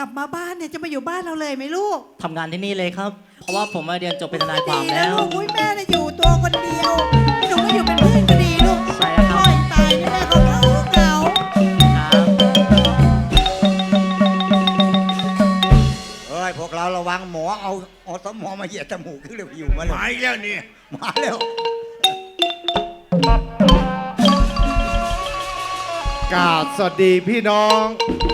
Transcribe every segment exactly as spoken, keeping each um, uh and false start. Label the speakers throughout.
Speaker 1: ลับมาบ้านเนี่ยจะมาอยู่บ้านเราเลยไหมลูก
Speaker 2: ทำงานที่นี่เลยครับ เพราะว่าผมมาเรียนจบเป็นทนายความ
Speaker 1: ดีนะ
Speaker 2: แล้ว
Speaker 1: ลูกอุ้ยแม่น่ะอยู่ตัวคนเดียวหนูก็อยู่เป็นเพื่อนก็ดีลูก
Speaker 2: ใช่ครับ
Speaker 1: พ่อยังตายนี่แม่ก็เหงาเหงา
Speaker 2: ครับ
Speaker 3: เอ้ยพวกเราระวังหมอเอาเอาสมอมาเหยียดจมูกขึ้นเลยอยู่มาเลย
Speaker 4: มาอีกแล้วนี่
Speaker 3: มาแล้ว
Speaker 5: กราบสวัสดีพี่น้อง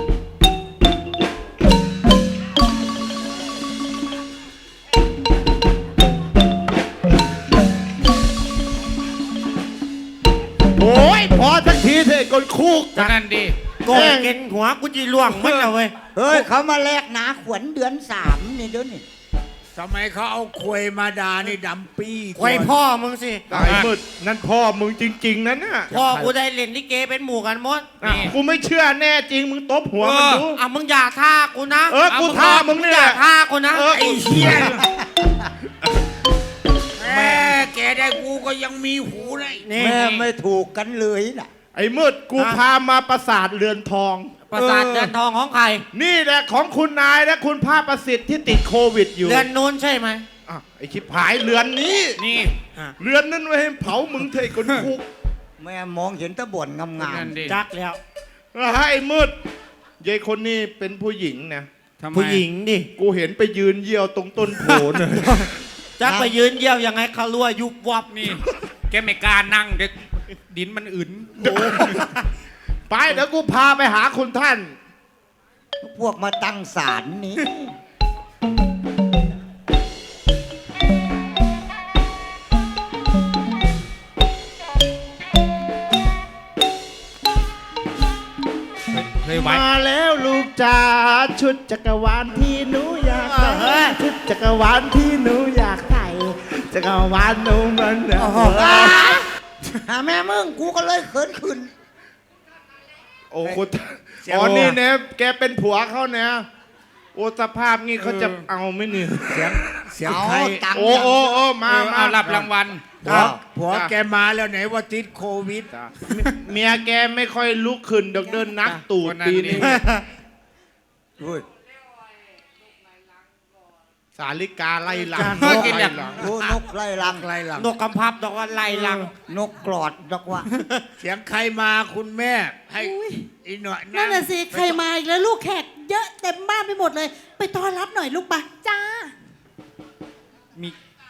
Speaker 5: โอ้ยพอสักทีเถอะคนคุก
Speaker 4: ก็นั่นดิ
Speaker 5: โกงกินหัวกูจีล่วงมันเลยเว้ย
Speaker 3: เฮ้ยเขามาแลกหนาขวัญเดือนสามนี่เดี๋ยวนี้
Speaker 4: ทำไมเขาเอาควยมาดานี่ดำปี้
Speaker 5: ไว้พ่อมึงสิไอ้มืดนั่นพ่อมึงจริงๆนั่นน่ะ
Speaker 6: พ่อกูได้เล่นลิเกเป็นหมู่กันหมด
Speaker 5: อ่ะกูไม่เชื่อแน่จริงมึงตบหัวมันดู
Speaker 6: อ่ะมึงอย่าท่ากูนะ
Speaker 5: เออกูท่ามึงนี่
Speaker 6: อ
Speaker 5: แห
Speaker 6: ย่า
Speaker 5: ละ
Speaker 6: ท่ากูนะ
Speaker 5: เออ
Speaker 6: ไอ้เหี้ย
Speaker 4: แม่แกได้กูก็ยังมีหูเลย
Speaker 6: นี่
Speaker 3: แม่ไม่ถูกกันเลยน่ะ
Speaker 5: ไอ้มืดกูพามาปราสาทเรือนทอง
Speaker 6: ประสาทเดือนทองของใคร
Speaker 5: นี่แหละของคุณนายและคุณภาพประสิทธิ์ที่ติดโควิดอยู่
Speaker 6: เดือนนู้นใช่ไหม
Speaker 5: อ่ะไอ้ชิบหายเรือนนี้
Speaker 4: นี่
Speaker 5: เรือนนั้นไว้ให้เผามึงเถอะไอ้คนคุก
Speaker 3: แม่มองเห็นแตะบ่นงาม
Speaker 4: นั่นดิ
Speaker 6: จักแล้ว
Speaker 5: ให้มืดยายคนนี้เป็นผู้หญิงนะ
Speaker 4: ทำไม
Speaker 6: ผู้หญิงดิ
Speaker 5: กูเห็นไปยืนเยี่ยวตรงต้นโผล่น่ะ
Speaker 6: จักไปยืนเยี่ยวยังไงเขารั่วยุบวับ
Speaker 4: นี่แกไม่กล้านั่งเด็กดินมันอื่น
Speaker 5: ไปเดี๋ยวกูพาไปหาคุณท่าน
Speaker 3: ๆพวกมาตั้งศาลนี้
Speaker 4: เคยไว้
Speaker 5: มาแล้วลูกจ๋าชุดจักรวาลที่หนูอยากใส่ชุดจักรวาลที่หนูอยากใส่จักรวาลหนูมันเนี่ย
Speaker 3: หาแม่มึงกูก็เลยเขินขึ้น
Speaker 5: โอ้คุณอ๋อนี่เนี่ยแกเป็นผัวเขาเนี่ยโอ้สภาพงี้เขาจะเอาไหมเนี่ย
Speaker 4: เสียงเสียง
Speaker 3: เอา
Speaker 4: ใคร
Speaker 3: ตังค์
Speaker 5: โอ้โอ้โอ้มา
Speaker 4: เออ
Speaker 5: มา
Speaker 4: เอารับรางวัล
Speaker 5: ครั
Speaker 4: ผัว
Speaker 5: บ
Speaker 4: ผัวแกมาแล้วไหนว่าติดโควิด
Speaker 5: จ้ะเมียแกไม่ค่อยลุกขึ้นดอกเดินนักตูด
Speaker 4: คนนั้น
Speaker 5: ปีนี้
Speaker 4: นี่
Speaker 3: อุ้ย
Speaker 5: สาลิกาไล่หลัง
Speaker 4: เออกินอย่าง
Speaker 5: ไล่หลัง
Speaker 3: กูนกไล่ลัง
Speaker 4: ไกลหลัง
Speaker 6: นกกำพับดอกว่าไล่ลัง
Speaker 3: นกกรอดดอกว่า
Speaker 4: เสียงใครมาคุณแม่ให้อีหน่อย
Speaker 1: นั่นน่ะสิใครมาอีกแล้วลูกแขกเยอะเต็มบ้านไปหมดเลย ไปต้อนรับหน่อยลูกปะจ้า
Speaker 4: มี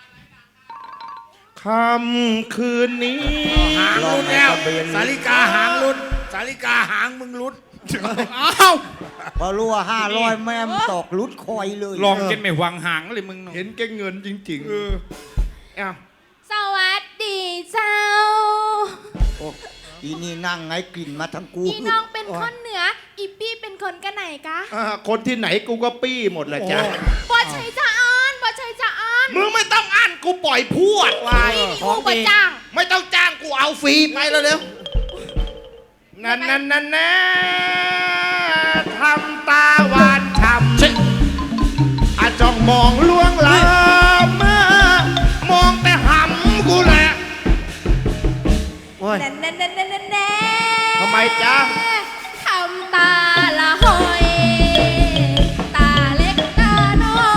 Speaker 5: ค่ำคืนนี้
Speaker 4: หางรุดแล้วสาลิกาหางรุดสาลิกาหางมึงรุดอ้าว
Speaker 3: พอรู้ว่าห้าร้อยแม่มตกลุดคอยเลย
Speaker 4: ลองกินไม่หวังหางเลยมึง
Speaker 5: เห็นแกเงินจริงๆ
Speaker 4: เออ
Speaker 5: เอ้า
Speaker 7: สวัสดีเจ้า
Speaker 3: โอ้อีนี่นั่งไงกลิ่นมาทั้งกู
Speaker 7: อีน้องเป็นคนเหนือ อีปี้เป็นคนกันไหนกะ
Speaker 5: อ่าคนที่ไหนกูก็ปี้หมดแหละจ้ะ
Speaker 7: บ่ใช่จะอ่านบ่ใช่จะอ่าน
Speaker 5: มึงไม่ต้องอ่านกูปล่อยพวดวาย
Speaker 7: นี่นี่อูบ่จ้าง
Speaker 5: ไม่ต้องจ้างกูเอาฟรีไปแล้วเร็วนั่นนั่นนั่นนะทำตาหวานช้ำอาจ้องมองลวงลามามองแต่หำกูแหละ
Speaker 6: โอ้ย
Speaker 7: แน่แน่แน่แน่แน่แน่
Speaker 5: ทำไมจ๊ะ
Speaker 7: ทำตาละหอย ตาเล็กตาน้อย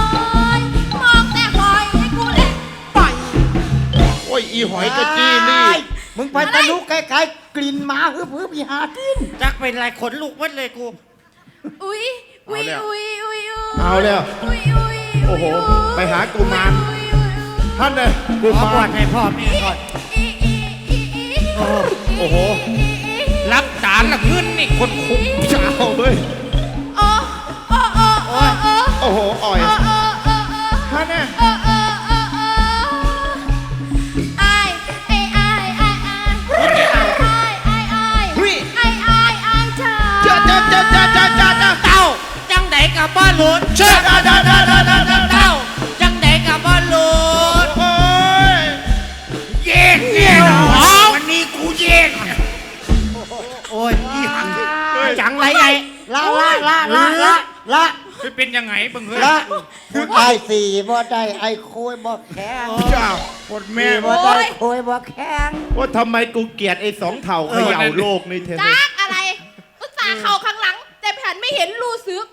Speaker 7: มองแต่หอยให้กูเล็กปล่อย
Speaker 5: โอ้ยอีหอยกระจี้นี่
Speaker 3: มึงไปตะลุกไกลๆกลิ่นหมาฮึบฮึบอีหากิน
Speaker 6: จักเป็นไรขนลุกวัดเลยกู
Speaker 7: อุ้ยอุ้ย
Speaker 5: เอาแล้ว
Speaker 7: อุ้ยอุ้ยอุ้ย
Speaker 5: เอาแล้ว
Speaker 7: อุ้ยอุ้ย
Speaker 5: โอ้โหไปหากุมาร
Speaker 7: อุ้ยอุ้ยอุ้ย
Speaker 5: ท่านเลยกู
Speaker 6: ขอ
Speaker 5: มา
Speaker 6: บวชให้พ่อแม่ก่อน
Speaker 7: อีอีอีอี
Speaker 5: โอ้โห
Speaker 4: รับจานละขึ้นนี่คนคุก
Speaker 5: เจ้าเว้ย
Speaker 7: โอ้โอ้โอ้โอ้โอ้
Speaker 5: โอ้โหอ่อย
Speaker 7: โอ้โอ้โอ้โอ้
Speaker 5: ท่านเนี่ย
Speaker 7: โอ้โอ้โอ้โอ้ไอ้ไอ้ไอ้ไอ้ไอ้ไอ้ไอ้ไอ้ไอ้ไอ้ไอ้ไอ้เธอ
Speaker 5: เจ้าเจ้าเจ้าเจ้าเจ้าเจ้าเจ้า
Speaker 6: เต้าจังไดกับบ้านหลุด
Speaker 5: เจ้าเจ้าเจ้าเจ้าเจ้าเจ้าเจ้า
Speaker 6: เต้าจังไดกับบ้านหลุด
Speaker 5: โอ้ย
Speaker 4: เย็นเนี่ยเหรอวันนี้กูเย็น
Speaker 6: โอ้ยจังไรไง
Speaker 3: ละละละละละละ
Speaker 4: ไปเป็นยังไงบังเฮ้ย
Speaker 3: ละคุณไอ้สี่บ่ได้ไอ้โคยบ่แข็ง
Speaker 5: เจ้า
Speaker 4: ปวดแม่
Speaker 3: สี่บ่ได้โคยบ่แข็ง
Speaker 5: ว่าทำไมกูเกลียดไอ้สองเถ่าเขย่าโลกนี่เทน
Speaker 7: จักอะไรอุตส่าห์เข่าข้างหลัง แต่แผ่นไม่เห็นรูซึก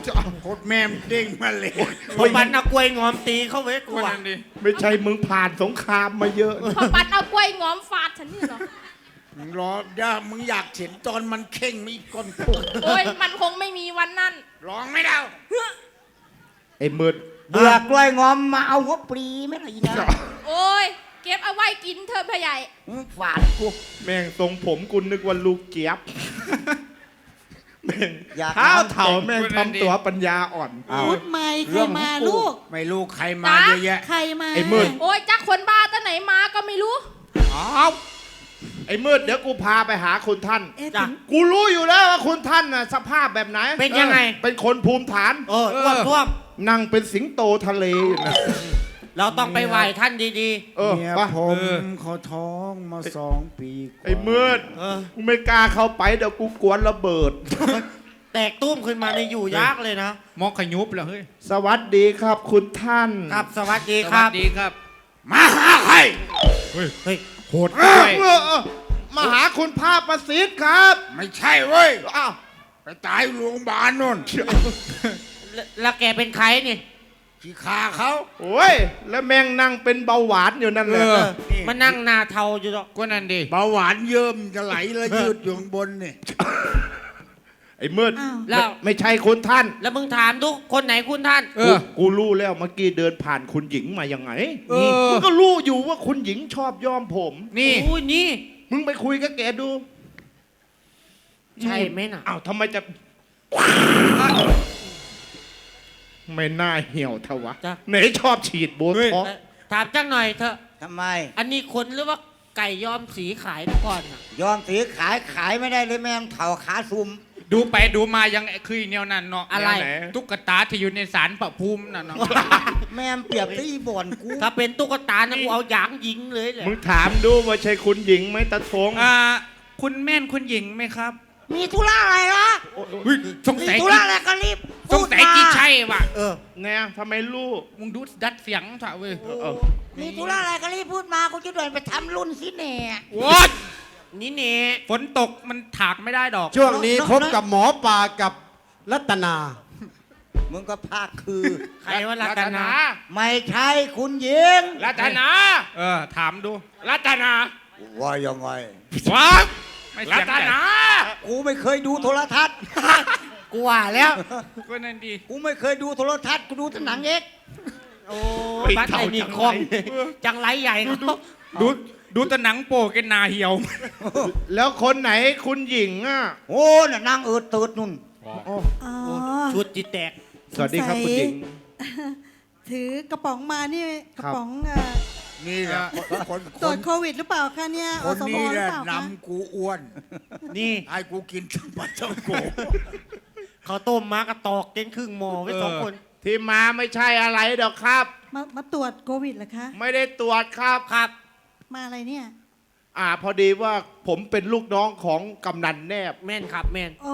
Speaker 4: โคตรแม่มเด้งมาเลย
Speaker 6: พอปันเอากล้วยงอมตีเข้าไว้กู
Speaker 4: คน
Speaker 6: อะ
Speaker 4: นั้นดิ
Speaker 5: ไม่ใช่มึงผ่านสงครามมาเยอะ
Speaker 7: พอปัดเอากล้วยงอมฟาดฉันนี่เหรอ
Speaker 4: มึงรอเดี๋ยวมึงอยากเห็นตอนมันเข่งมีก้นปุก
Speaker 7: โอ้ยมันคงไม่มีวันนั้น
Speaker 4: ร้องไม่ได้
Speaker 5: ไอ้มืด
Speaker 3: เบื่อกล้วยงอมมาเอาหัวปลีไหมล่ะอีนะ
Speaker 7: โอ้ยเก็บเอาไว้กินเธอะพ่อใหญ่
Speaker 3: มึงฝาดกู
Speaker 5: แม่งทรงผมกูนึกว่าลูกเจี๊ยบแม่ง
Speaker 3: อยาก
Speaker 5: เท้า
Speaker 3: น้ำ
Speaker 5: เถ่าแม่งทำตัวปัญญาอ่อน
Speaker 3: เอา
Speaker 1: พูดใหม่ใคร
Speaker 3: เรื่อง
Speaker 1: มา
Speaker 3: ของ
Speaker 1: ลูก
Speaker 4: ไม่รู้ใครมาเยอะแยะ
Speaker 1: ใครมา
Speaker 5: ไอ้มืด
Speaker 7: โอ้ยจักคนบ้าตั้งไหนมาก็ไม่รู้
Speaker 5: อ้าวไอ้มืดเดี๋ยวกูพาไปหาคุณท่าน
Speaker 1: เอ๊ะ
Speaker 6: จ้ะ
Speaker 1: ถึง
Speaker 5: กูรู้อยู่แล้วว่าคุณท่านน่ะสภาพแบบไหน
Speaker 6: เป็นยังไง
Speaker 5: ออเป็นคนภูมิฐาน
Speaker 6: เอออ้วกท่วม
Speaker 5: นั่งเป็นสิงโตทะเลอยู่นะ
Speaker 6: เราต้องไปไหว้ท่านดี
Speaker 5: เออ
Speaker 4: เมีย
Speaker 5: ไป
Speaker 4: ผมเขาท้องมาสองปีกว่า
Speaker 5: ไอ้มืด
Speaker 6: ๆ เออ
Speaker 5: กูไม่กล้าเข้าไปเดี๋ยวกูกวนระเบิด
Speaker 6: แตกตุ้มขึ้นมาในอยู่ยากเลยนะ
Speaker 4: มอกขยุบแล้วเฮ้ย
Speaker 5: สวัสดีครับคุณท่าน
Speaker 6: ครับสวัสดีครับ
Speaker 4: ดีครับ มาหาใคร
Speaker 6: เฮ้ย
Speaker 4: โหด
Speaker 5: เอ
Speaker 4: ด้
Speaker 5: อ
Speaker 4: วย
Speaker 5: เออเออมาหาคุณภาพประสิทธิ์ครับ
Speaker 4: ไม่ใช่เว้ย
Speaker 5: อ้าว
Speaker 4: ไปตายโรงพยาบาลนน
Speaker 6: แล้วแล้วแกเป็นใครนี่
Speaker 4: ขี้ขาเขา
Speaker 5: โอ้ยแล้วแม่งนั่งเป็นเบาหวานอยู่นั่นแหละ
Speaker 4: เออ
Speaker 6: มานั่งหนาเทาอยู่หรอก
Speaker 4: ก็นั่นดิเบาหวานเยิ้มจะไหลแล้วยืดอยู่ข้างบนนี่
Speaker 5: ไอ้มืด
Speaker 1: อ้าว
Speaker 6: แล้ว
Speaker 5: ไม่ใช่คุณท่าน
Speaker 6: แล้วมึงถามทุกคนไหนคุณท่าน
Speaker 4: เออ
Speaker 5: กูรู้แล้วเมื่อกี้เดินผ่านคุณหญิงมายังไง
Speaker 4: เออ
Speaker 5: มึงก็รู้อยู่ว่าคุณหญิงชอบย้อมผม
Speaker 4: นี่
Speaker 6: โอ้ยนี่
Speaker 5: มึงไปคุยกับแกดู
Speaker 6: ใช่ไหมน่ะ
Speaker 5: อ้าวทำไมจะ ไม่น่าเหี่ยวเทวะ
Speaker 6: จ้ะ
Speaker 5: ไหนชอบฉีดโบท็อกซ์
Speaker 6: เอ่อถามจังหน่อยเถอะ
Speaker 3: ทำไม
Speaker 6: อันนี้คนหรือว่าไก่ยอมสีขายก่อนน่ะ
Speaker 3: ยอมสีขายขายไม่ได้เลยแม่งเถ่าขาซุ่ม
Speaker 8: ดูไปดูมายังคือแนวนั้นเนาะ
Speaker 6: อะไร
Speaker 5: แนวไหน
Speaker 8: ตุ๊กตาที่อยู่ในสารพระภูมิน่ะเนาะ
Speaker 3: แม่งเปรียบตีบ่อนกู
Speaker 6: ถ้าเป็นตุ๊กตานะกูเอาหยางยิงเลยแหละ
Speaker 5: มึงถามดูว่าใช่คุณหญิงไหมตาทง
Speaker 8: อ่าคุณแม่นคุณหญิงไหมครับ
Speaker 3: มีธุระอะไรล่ะ
Speaker 8: เฮ้ยสง
Speaker 3: มี
Speaker 8: สัย
Speaker 3: ธุระอะไรก็รีบ
Speaker 8: สงสัยกี่ใช่ว่ะ
Speaker 6: เออ
Speaker 5: ไงทำไมลูก
Speaker 8: มึงดูดัดเสียงเถอะเว้ย
Speaker 5: เออ
Speaker 3: มีธุระอะไรก็รีบพูดมากูจะเดินไปทำรุ่นสิแน่
Speaker 8: โว้ย
Speaker 6: นี่เนี่ย
Speaker 8: ฝนตกมันถากไม่ได้ดอก
Speaker 9: ช่วงนี้พบกับหมอปลากับรัตนา
Speaker 3: มึงก็ภาคคือ
Speaker 6: ใครว่ารัตนา
Speaker 3: ไม่ใช่คุณหญิง
Speaker 8: รัตนา เออ ถามดู รัตนา
Speaker 3: ว่ายังไง
Speaker 8: ว้าไม่รัเสียง ตใหญ่นา
Speaker 3: กูไม่เคยดูโทรทัศน์
Speaker 6: กูว่าแล้ว
Speaker 8: ก็นั่นดี
Speaker 3: กูไม่เคยดูโทรทัศน์กูดูแต่หนังเอก
Speaker 6: โอ้บัตรไอ้นี่คองจังไรใหญ่เขา
Speaker 8: ดูดูแต่หนังโปกันนาเหี่ยว
Speaker 5: แล้วคนไหนคุณหญิงอ่ะ
Speaker 3: โอ้น่ะนางเอิดเติดนุ่น
Speaker 1: อ๋อ
Speaker 6: ชุดจิตแตก
Speaker 5: สวัสดีครับคุณหญิง
Speaker 1: ถือกระป๋องมานี่กระป๋องเอ่อ
Speaker 4: นี่แหละคนค
Speaker 1: ตรวจ
Speaker 4: น
Speaker 1: โควิดหรือเปล่าคะเนี่ย
Speaker 4: ค
Speaker 1: อน สม
Speaker 4: นี้
Speaker 1: ห
Speaker 4: แห
Speaker 1: รือ
Speaker 4: ละ
Speaker 1: เปล่าคะ
Speaker 4: นำกูอ้วน
Speaker 6: นี่
Speaker 4: ให้กูกินชุบปลาเจ้าโก
Speaker 6: เขาต้มมากระตอกเกินครึ่งหม้อไว้สองคน
Speaker 5: ที่มาไม่ใช่อะไรดอกครับ
Speaker 1: มามาตรวจโควิดเหรอคะ
Speaker 5: ไม่ได้ตรวจครับ
Speaker 6: ครับ
Speaker 1: มาอะไรเนี่ย
Speaker 5: อ่าพอดีว่าผมเป็นลูกน้องของกำนันแนบ
Speaker 6: แม่นครับแม่น
Speaker 1: อ๋อก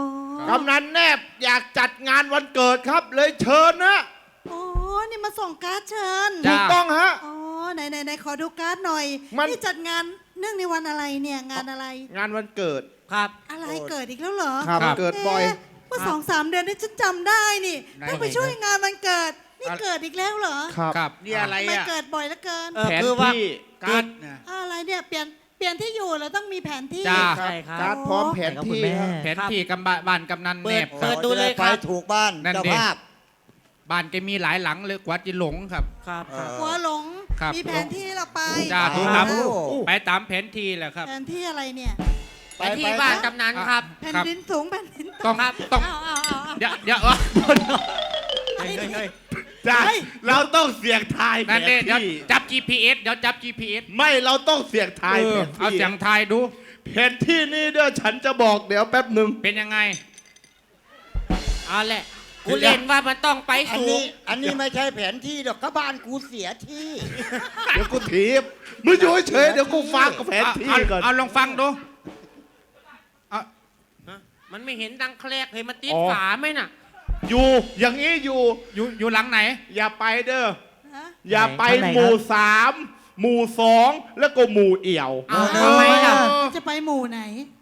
Speaker 5: ำนันแนบอยากจัดงานวันเกิดครับ เลยเชิญนะ
Speaker 1: อ๋อนี่มาส่งการ์ดเชิญ
Speaker 5: ถูกต้องฮะ
Speaker 1: อ๋อไหนไหนไหนขอดูการ์ดหน่อย
Speaker 5: มัน
Speaker 1: นี่จัดงานเนื่องในวันอะไรเนี่ยงานอะไร
Speaker 5: งานวันเกิด
Speaker 6: ครับ
Speaker 1: อะไรเกิดอีกแล้วเหรอ
Speaker 5: ครับเกิดบ่อย
Speaker 1: เะเมื่อสองสามเดือนนี่ฉันจำได้นี่ต้องไปช่วยงานวันเกิด นี่เกิดอีกแล้วเหรอ
Speaker 5: ครับ
Speaker 8: ครับ
Speaker 4: นี่อะไร
Speaker 1: ทำไม่
Speaker 4: อ่ะ
Speaker 1: เกิดบ่อยเหลือเกิน
Speaker 6: เออ
Speaker 5: แผน
Speaker 6: คือว่า
Speaker 5: ที่
Speaker 4: กัดนะ
Speaker 1: อะไรเนี่ยเปลี่ยนเปลี่ยนที่อยู่เราต้องมีแผนที่
Speaker 8: จ้า
Speaker 6: ใช่ครับ
Speaker 5: การ์ดพร้อมแผน
Speaker 2: ครับคุณ
Speaker 5: ที่
Speaker 2: แม่
Speaker 5: ฮะ
Speaker 8: แผนที่กำบะบ้านกำนัน
Speaker 6: เปิ
Speaker 8: แน
Speaker 6: ด
Speaker 8: บค
Speaker 6: เปิ
Speaker 8: รั
Speaker 6: ด
Speaker 8: บ
Speaker 6: ดูเลย
Speaker 3: ไป
Speaker 6: ครับ
Speaker 3: ถูกบ้าน
Speaker 8: นั่น
Speaker 3: เจ้า
Speaker 8: ดิ
Speaker 3: ภาพ
Speaker 8: บ้านแกมีหลายหลังเลยกว่าจะหลงครับ
Speaker 6: ครับ
Speaker 3: เออ
Speaker 1: หัวหลง
Speaker 8: ครับ
Speaker 1: มีแผนที่เราไป
Speaker 8: จ้า
Speaker 3: อ๋อ
Speaker 8: ดูตามไปตามแผนที่แหละครับ
Speaker 1: แผนที่อะไรเนี่ย
Speaker 6: ไปที่บ้านกำนันครับ
Speaker 1: แผ่น
Speaker 8: ครับ
Speaker 1: ดินสูงแผ่นดิน
Speaker 8: ต้
Speaker 1: ต่ำ
Speaker 8: องต้อง
Speaker 1: เอาเอาเอาเอา
Speaker 8: เดี๋ยวเดี๋ยวเออ
Speaker 5: จ้าเราต้องเสี่ยงทายแผ
Speaker 8: นั่น
Speaker 5: น
Speaker 8: เด้เดี๋ยว
Speaker 5: ที่
Speaker 8: จับ จี พี เอส เดี๋ยวจับ จี พี เอส
Speaker 5: ไม่เราต้องเสี่ยงทาย
Speaker 8: เอ
Speaker 5: แผ
Speaker 8: อน เอา
Speaker 5: ที่
Speaker 8: เสียงทายดู
Speaker 5: แผนที่นี่เดี๋ยวฉันจะบอกเดี๋ยวแป๊บหนึ่ง
Speaker 8: เป็นยังไง
Speaker 6: เอาแหละ กูเล่นว่ามันต้องไป
Speaker 3: อัน
Speaker 6: สู
Speaker 3: นี้
Speaker 6: ง
Speaker 3: อันนี้ไม่ใช่แผนที่ดอกก็บ้านกูเสียที่
Speaker 5: เดี๋ยวกูถีบมึงอยู่เฉยๆเดี๋ยวกูฟังกับแผนที่
Speaker 8: เอา
Speaker 5: ก่อน
Speaker 8: เอาลองฟังดู
Speaker 6: มันไม่เห็นดังแคลกเห็นมันติด
Speaker 5: อ๋อ
Speaker 6: ฝาไหมน่ะ
Speaker 5: อยู่อย่างนี้อยู่
Speaker 8: อยู่อยู่หลังไหน
Speaker 5: อย่าไปเด้อ
Speaker 1: ฮะ
Speaker 5: อย่าไป
Speaker 2: ไหน
Speaker 5: หมู่
Speaker 2: ครับ
Speaker 5: สามหมู่สองแล้วก็หมู่เอี่ยว
Speaker 6: เอาทำไมล่ะ
Speaker 1: จะไปหมู่ไหน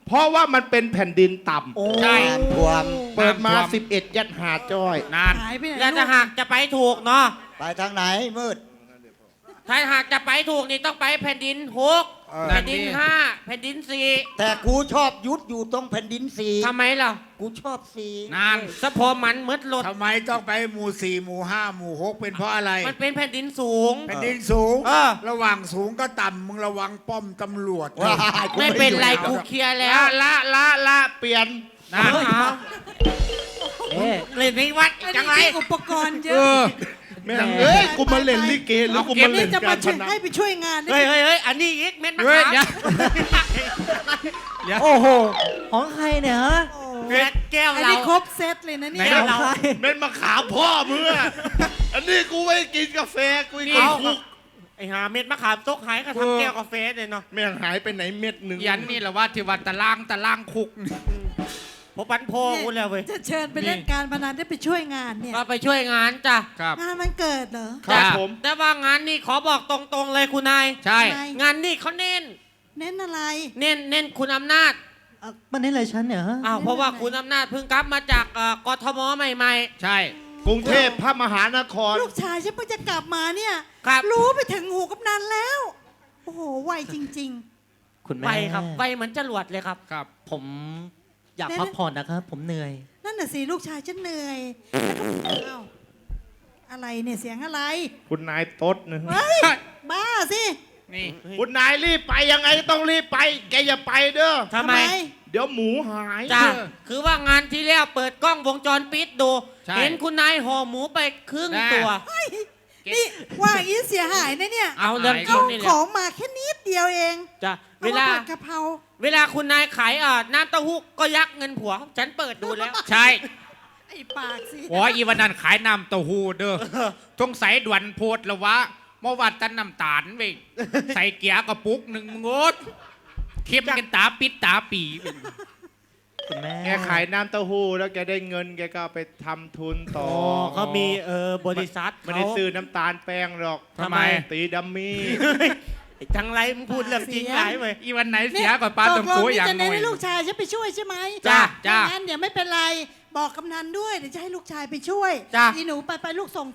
Speaker 5: เพราะว่ามันเป็นแผ่นดินต่
Speaker 8: ใช่
Speaker 3: น้ำท่วม
Speaker 5: ำเปิดมา
Speaker 8: น้ำท่วม
Speaker 5: สิบเอ็ดยัดหาจ้อย
Speaker 8: นาน
Speaker 1: หายไปไหน
Speaker 6: แล้วถ้า
Speaker 1: ลูก
Speaker 6: หากจะไปถูกเนาะ
Speaker 3: ไปทางไหนมืด
Speaker 6: ถ้าหากจะไปถูกนี่ต้องไปแผ่นดินหก
Speaker 8: เออ
Speaker 6: แผ่นดินห้าแผ่นดินสี่
Speaker 3: แต่กูชอบยุดอยู่ตรงแผ่นดินสี
Speaker 6: ทำไมล่ะ
Speaker 3: กูชอบสี
Speaker 8: นาน
Speaker 6: สะพอมันมืดรถ
Speaker 4: ทำไมต้องไปหมู่สี่หมู่ห้าหมู่หกเป็นเพราะอะไร
Speaker 6: มันเป็นแผ่นดินสูง
Speaker 4: แผ่นดินสูง
Speaker 6: เออ
Speaker 4: ระหว่างสูงก็ต่ำมึงระวังป้อมตำรวจ
Speaker 3: ว้ายกู
Speaker 6: ไม่เป็นไร
Speaker 3: อยู่
Speaker 6: กูเคลียร์แล้
Speaker 5: ละ
Speaker 6: ว
Speaker 5: ละละละเปลี่ยน
Speaker 8: นาน
Speaker 6: เอา
Speaker 2: เอ๊ะ
Speaker 6: เล่นในวัด
Speaker 1: อัน
Speaker 6: จั
Speaker 1: นี้
Speaker 6: งไร
Speaker 1: มีอุปกรณ์เย
Speaker 8: เอ
Speaker 1: อะ
Speaker 8: อ
Speaker 5: แม่งเอ้ยกูมาเล่นลิเกหรือกูมา
Speaker 1: นี่
Speaker 5: เล่น
Speaker 1: จะ
Speaker 5: กา
Speaker 1: มาช่วย
Speaker 5: รพนัน
Speaker 1: ให้ไปช่วยงาน
Speaker 6: เฮ้ยเฮ้ยเฮ้ยอันนี้อีกเม็ดมะ
Speaker 8: เฮ้ย
Speaker 6: ขาม
Speaker 8: เดี๋ยว
Speaker 2: โอ้โห ของใครเนี่ยฮะ
Speaker 1: โอ้
Speaker 6: เม็ดแก้ว
Speaker 1: อัน
Speaker 6: เรา
Speaker 1: นี้ครบเซตเลยนะเนี่
Speaker 8: ไหน
Speaker 1: ย
Speaker 2: ของใคร
Speaker 5: เม็ดมะขามพ่อมึงอะอันนี้กูไม่ได้กินกาแฟกูกิน
Speaker 6: เอา
Speaker 5: คุก
Speaker 6: ไอ้หาเม็ดมะขามตกหายก็ทำแก้วกาแฟเลยเนาะ
Speaker 5: แม่งหายไปไหนเม็ดหนึ่ง
Speaker 8: ยันนี่แหละว่าที่วัดตะล่างตะล่างคุก
Speaker 6: พอปันโพกูแล้วเว้ย
Speaker 1: จะเชิญไปเล่นการพนันได้ไปช่วยงานเนี่ย
Speaker 6: ก็ไปช่วยงานจ้ะ
Speaker 8: ครับ
Speaker 1: งานมันเกิดเหรอ
Speaker 5: ครับ
Speaker 8: จ้ะ
Speaker 5: ผม
Speaker 6: แต่ว่างานนี่ขอบอกตรงๆเลยคุณนาย
Speaker 8: ใช่
Speaker 1: ทำไม
Speaker 6: งานนี่เขาเน้น
Speaker 1: เน้นอะไร
Speaker 6: เน้นเน้นคุณอำนาจ
Speaker 2: อ่ะมันนี่อะไรฉันเนี่ยฮะ
Speaker 6: อ้าวเพราะว่าคุณอำนาจเพิ่งกลับมาจากเอ่อกทมใหม่
Speaker 8: ใช่
Speaker 5: กรุงเทพพระมหานคร
Speaker 1: ลูกชายฉันเพิ่งจะกลับมาเนี่ย
Speaker 6: ๆ ครับ
Speaker 1: รู้ไปถึงหูกำนันแล้ว โอ้โห ไวจริง
Speaker 2: คุณ
Speaker 6: ไว
Speaker 2: แม่
Speaker 6: ครับไวเหมือนจรวดเลยครับ
Speaker 8: ครับ
Speaker 2: ผมอยาก
Speaker 1: แน่ๆ
Speaker 2: พักผ่อนนะครับ ผมเหนื่อย
Speaker 1: ๆ นั่นน่ะสิลูกชายฉันเหนื่อยแล้วก็อ้าวอะไรเนี่ยเสียงอะไร
Speaker 5: คุณนายต๊ดนะ
Speaker 1: เฮ้ย บ้าสิ
Speaker 8: นี่
Speaker 5: คุณนายรีบไปยังไงก็ต้องรีบไป แกอย่าไปเด้อ
Speaker 6: ทำไม
Speaker 5: เดี๋ยวหมูหาย
Speaker 6: จ้าคือว่างานที่แล้วเปิดกล้องวงจรปิดดู
Speaker 8: ใช่
Speaker 6: เห็นคุณนายห่อหมูไปครึ่งตัว
Speaker 1: เฮ้ยนี่ว่าอีเสียหายนะเนี่ย
Speaker 6: เอาเรื่องจริ
Speaker 1: เอา
Speaker 6: งนี่แห
Speaker 1: ข
Speaker 6: ละ
Speaker 1: องมาแค่นิดเดียวเอง
Speaker 6: จ้ะ
Speaker 1: เอา
Speaker 6: เว
Speaker 1: มา
Speaker 6: ลา
Speaker 1: ผัดกะเพรา
Speaker 6: เวลาคุณนายขายเอ่อน้ำเต้าหู้ก็ยักเงินผัว ฉันเปิดดูแล้ว
Speaker 8: ใช่
Speaker 1: ไอ้ปากสิ
Speaker 8: โอ้ยอีวันนั้นขายน้ำเต้าหู้เด้อสงสัยด่วนโพดแล้ววะเมื่อวานตันน้ำตาลเว้ยใส่เกียร์กระปุกหนึ่งงดเข้มกันตาปิดตาปีเว้ย
Speaker 2: คุณแม่
Speaker 5: แกขายน้ำเต้าหู้แล้วแกได้เงินแกก็เอาไปทำทุนต่อ
Speaker 6: อ๋อเขามีเออบริษัท
Speaker 5: ไม่ได้ซื้อน้ำตาลแป้งหรอก
Speaker 8: ทำไม
Speaker 5: ตีดัมมี่
Speaker 6: ไอ้จังไรมึงพูดเรื่องจริงไรเว้ย
Speaker 8: อีวันไหนเสียก่อนปลา
Speaker 1: ต
Speaker 8: ต้
Speaker 1: ก
Speaker 8: ม
Speaker 1: ลง
Speaker 8: โข
Speaker 1: นี่
Speaker 8: อย่าง
Speaker 1: จะ
Speaker 8: ห
Speaker 1: เน้
Speaker 8: น่
Speaker 1: น
Speaker 8: อย
Speaker 1: ให้ลูกชายฉันไปช่วยใช่ไหม
Speaker 8: จ้ะจ้ะ
Speaker 1: งั้นเดี๋ยวไม่เป็นไร บอกกำนันด้วยเดี๋ยวจะให้ลูกชายไปช่วย
Speaker 6: จ้ะ
Speaker 1: อีหนูไปไปลูกส่ง